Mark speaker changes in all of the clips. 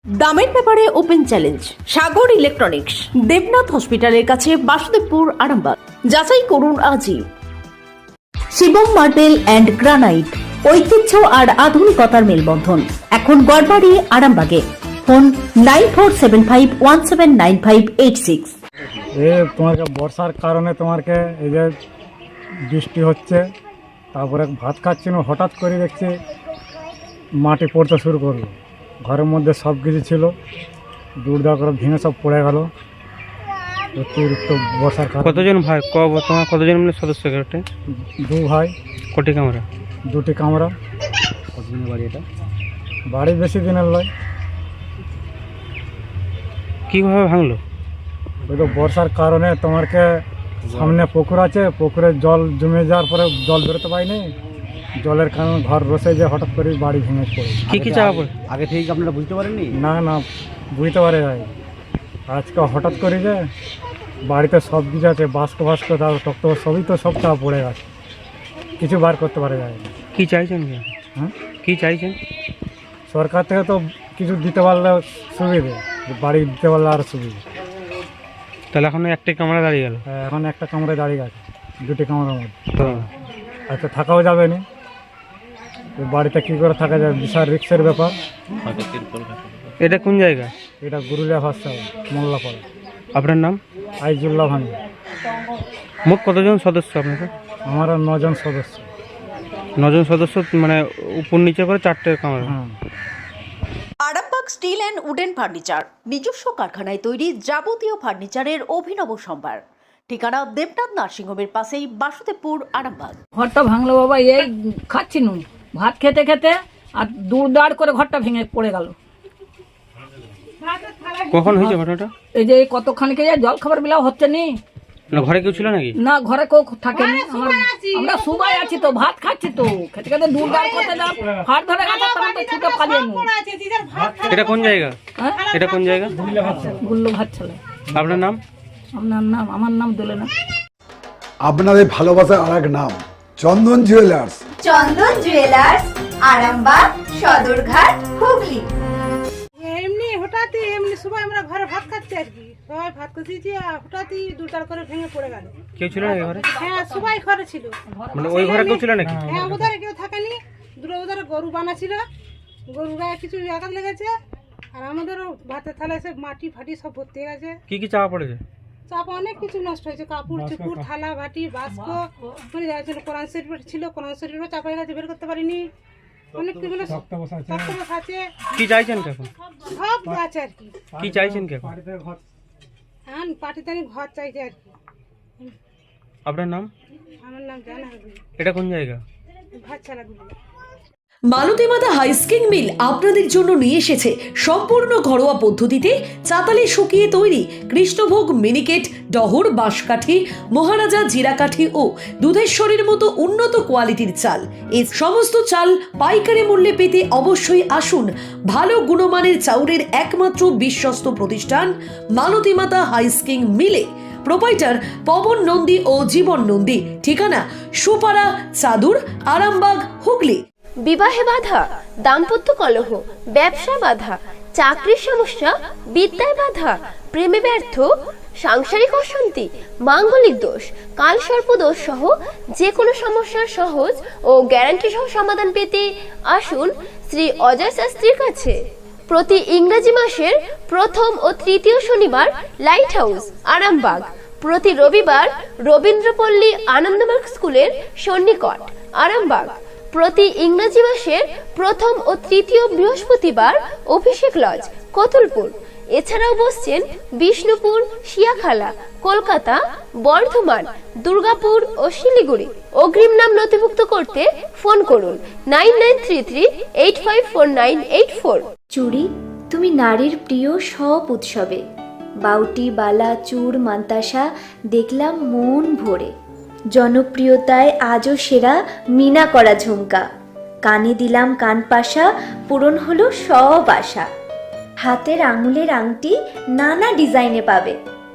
Speaker 1: দামের ব্যাপারে open challenge Sagar electronics, Debnath হসপিটালের কাছে, বাসুদেবপুর, আরামবাগ। যাচাই করুন আজই। শিবম মার্বেল অ্যান্ড গ্রানাইট, ঐতিহ্য আর আধুনিকতার মেলবন্ধন, এখন গড়বাড়ি, আরামবাগে। ফোন 9475179586।
Speaker 2: তোমাকে বর্ষার কারণে তোমাকে এই যে বৃষ্টি হচ্ছে, তারপরে ভাত খাচ্ছিল, হঠাৎ করে দেখছি মাটি পড়তে শুরু করলো। ঘরের মধ্যে সব কিছু ছিল, দূরদা করে ভেঙে সব পড়ে গেল অতিরিক্ত বর্ষার কারণে।
Speaker 3: কতজন ভাই তোমার কতজন মিলে সদস্য এটা?
Speaker 2: দু ভাই।
Speaker 3: কটি কামরা?
Speaker 2: দুটি কামরা।
Speaker 3: কতদিনের বাড়ি এটা?
Speaker 2: বাড়ি বেশি দিনের নয়।
Speaker 3: কীভাবে ভাঙলো?
Speaker 2: ওই তো বর্ষার কারণে তোমাকে সামনে পুকুর আছে, পুকুরে জল জমে যাওয়ার পরে জল বেরোতে পারিনি, জলের কারণে ঘর রসে যে হঠাৎ করে বাড়ি ভেঙে পড়ে।
Speaker 3: কী কী চাপা পড়ে?
Speaker 4: আগে থেকে আপনারা বুঝতে পারেননি?
Speaker 2: না বুঝতে পারে যায় আজকে হঠাৎ করে যে বাড়িতে সব কিছু আছে, বাস্ক তার টক্ত সবই তো সব চাপা পড়ে গেছে, কিছু বার করতে পারে যায়।
Speaker 3: কী চাইছেন?
Speaker 2: হ্যাঁ,
Speaker 3: কী চাইছেন?
Speaker 2: সরকার থেকে তো কিছু দিতে পারলে সুবিধে, বাড়ি দিতে পারলে আরও সুবিধে।
Speaker 3: তাহলে এখন একটাই কামরা দাঁড়িয়ে গেল।
Speaker 2: এখন একটা কামরায় দাঁড়িয়ে গেছে, দুটি কামরার মধ্যে।
Speaker 3: তো
Speaker 2: আচ্ছা, থাকাও যাবে না বাড়িতে, কী করে থাকা যায়, বিশাল রিক্সের ব্যাপার।
Speaker 3: এটা কোন জায়গা?
Speaker 2: এটা গুরুলিয়া ভাষা, মোল্লাপাড়া।
Speaker 3: আপনার নাম?
Speaker 2: আইজুল্লাহ ভাঙি।
Speaker 3: মোট কতজন সদস্য আপনাদের?
Speaker 2: আমরা 9 জন সদস্য।
Speaker 3: 9 জন সদস্য, মানে উপর নিচে করে 4টে কামরা।
Speaker 2: হ্যাঁ।
Speaker 1: Arambagh steel and wooden furniture, নিজস্ব কারখানায় তৈরি যাবতীয় ফার্নিচারের অভিনব সম্ভার। ঠিকানা দেবনাথ নার্সিংহোমের পাশেই, বাসুদেবপুর, আরামবাগ।
Speaker 5: ঘরটা ভাঙলো বাবা, এই খাচ্ছি নুন ভাত খেতে খেতে, আর দূর করে ঘরটা ভেঙে পড়ে গেল।
Speaker 3: কখন হয়েছে ঘটনাটা?
Speaker 5: এই যে কতখানিকে জল খাবার বিলাও হচ্ছে নি।
Speaker 3: না ঘরে কেউ ছিল নাকি?
Speaker 5: না, ঘরে কেউ থাকেনি। আমরা সবাই আছি তো, ভাত খাচ্ছি তো, খেতে খেতে দূর করতে যাও, হাত ধরে গেছে, তখন তো ছুটে পালিয়ে নি।
Speaker 3: এটা কোন জায়গা?
Speaker 5: হ্যাঁ,
Speaker 3: এটা কোন জায়গা?
Speaker 5: গুল্লো ভাত ছেলে।
Speaker 3: আপনার নাম?
Speaker 5: আমার নাম দোলে না।
Speaker 6: আপনাদের ভালোবাসার আর এক নাম চন্দন জুয়েলার্স।
Speaker 7: চন্দন জুয়েলার্স, আরামবাগ, সদরঘাট, হুগলি।
Speaker 8: এমনি সবাই আমরা ঘরে ভাত খাচ্ছি আর কি, সবাই ভাত খাচ্ছি, হঠাৎই দুটার করে ভেঙে পড়ে গেল।
Speaker 3: কেউ ছিল নাকি ঘরে?
Speaker 8: হ্যাঁ, সবাই ঘরে ছিল।
Speaker 3: মানে ওই ঘরে কেউ ছিল নাকি?
Speaker 8: হ্যাঁ, ওধারে কেউ থাকেনি, ওধারে গরু বানা ছিল, গরু গায়ে কিছু আঘাত লেগেছে, আর আমাদেরও ভাতের থালা এসে মাটি ফাটি সব ভর্তি হয়ে গেছে।
Speaker 3: কি কি চাপা পড়েছে?
Speaker 8: চাপা অনেক কিছু নষ্ট হয়েছে, কাপড় চুপুর, থালা বাটি, বাস্ক, মানে কোরআন শরীফ ছিল, কোরআন শরীফও চাপা হয়ে গেছে, বের করতে পারিনি। অনেক কিছু আছে।
Speaker 3: কি চাইছেন এখন?
Speaker 8: সব আছে আর কি।
Speaker 3: কি চাইছেন কি এখন?
Speaker 8: হ্যাঁ, পাটিতে ঘর চাইছে আর কি।
Speaker 3: আপনার নাম?
Speaker 8: আমার নাম জানা।
Speaker 3: এটা কোন জায়গা?
Speaker 8: ভাত ছাড়া দিবি।
Speaker 1: মালতীমাতা হাইস্কিং মিল আপনাদের জন্য নিয়ে এসেছে সম্পূর্ণ ঘরোয়া পদ্ধতিতে চাতালে শুকিয়ে তৈরি কৃষ্ণভোগ, মিনিকেট, ডহর, বাঁশকাঠি, মহারাজা, জিরাকাঠি ও দুধেশ্বরীর মতো উন্নত কোয়ালিটির চাল। এই সমস্ত চাল পাইকারি মূল্যে পেতে অবশ্যই আসুন ভালো গুণমানের চাউলের একমাত্র বিশ্বস্ত প্রতিষ্ঠান মালতীমাতা হাইস্কিং মিলে। প্রোপাইটার পবন নন্দী ও জীবন নন্দী। ঠিকানা সুপারা, চাদুর, আরামবাগ, হুগলি।
Speaker 7: বিবাহে বাধা, দাম্পত্য কলহ, ব্যবসা বাধা, চাকরির সমস্যা, বিদ্যায় বাধা, প্রেমে ব্যর্থ, সাংসারিক অশান্তি, মাঙ্গলিক দোষ, কালসর্প দোষ সহ যে কোনো সমস্যার সহজ ও গ্যারান্টি সহ সমাধান পেতে আসুন শ্রী অজয় শাস্ত্রীর কাছে। প্রতি ইংরেজি মাসের প্রথম ও তৃতীয় শনিবার লাইট হাউস, আরামবাগ। প্রতি রবিবার রবীন্দ্রপল্লী আনন্দমার্গ স্কুলের সন্নিকট, আরামবাগ। প্রতি ইংরেজি মাসের প্রথম ও তৃতীয় বৃহস্পতিবার অভিষেক লজ, কতুলপুর। এছাড়াও বসছেন বিষ্ণুপুর, শিয়াখালা, কলকাতা, বর্ধমান, দুর্গাপুর ও শিলিগুড়ি। অগ্রিম নাম নথিভুক্ত করতে ফোন করুন 9933854984।
Speaker 9: চুড়ি, তুমি নারীর প্রিয় সব উৎসবে, বাউটি, বালা, চূড়, মান্তাসা দেখলাম মন ভরে। জনপ্রিয়তায় আজও সেরা মিনা করা ঝুমকা, কানে দিলাম কানপাশা, পূরণ হলো সব আশা। হাতের আঙুলের আংটি নানা ডিজাইনে পাবে,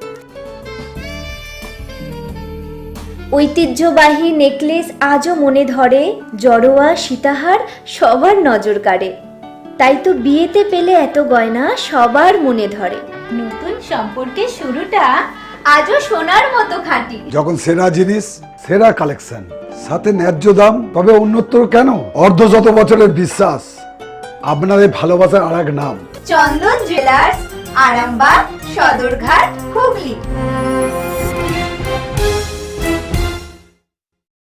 Speaker 9: ঐতিহ্যবাহী নেকলেস আজও মনে ধরে, জড়োয়া, সীতাহার সবার নজর কাড়ে। তাই তো বিয়েতে পেলে এত গয়না সবার মনে ধরে।
Speaker 4: নতুন সম্পর্কের শুরুটা আজও সোনার মতো খাঁটি।
Speaker 6: যখন সেরা জিনিস, সেরা কালেকশন, সাথে ন্যায্য দাম, তবে উন্নতর কেন? অর্ধশত বছরের বিশ্বাস, আপনাদের ভালোবাসার আরেক নাম।
Speaker 4: চন্দন জুয়েলার্স, আরামবাগ, সদরঘাট, হুগলি।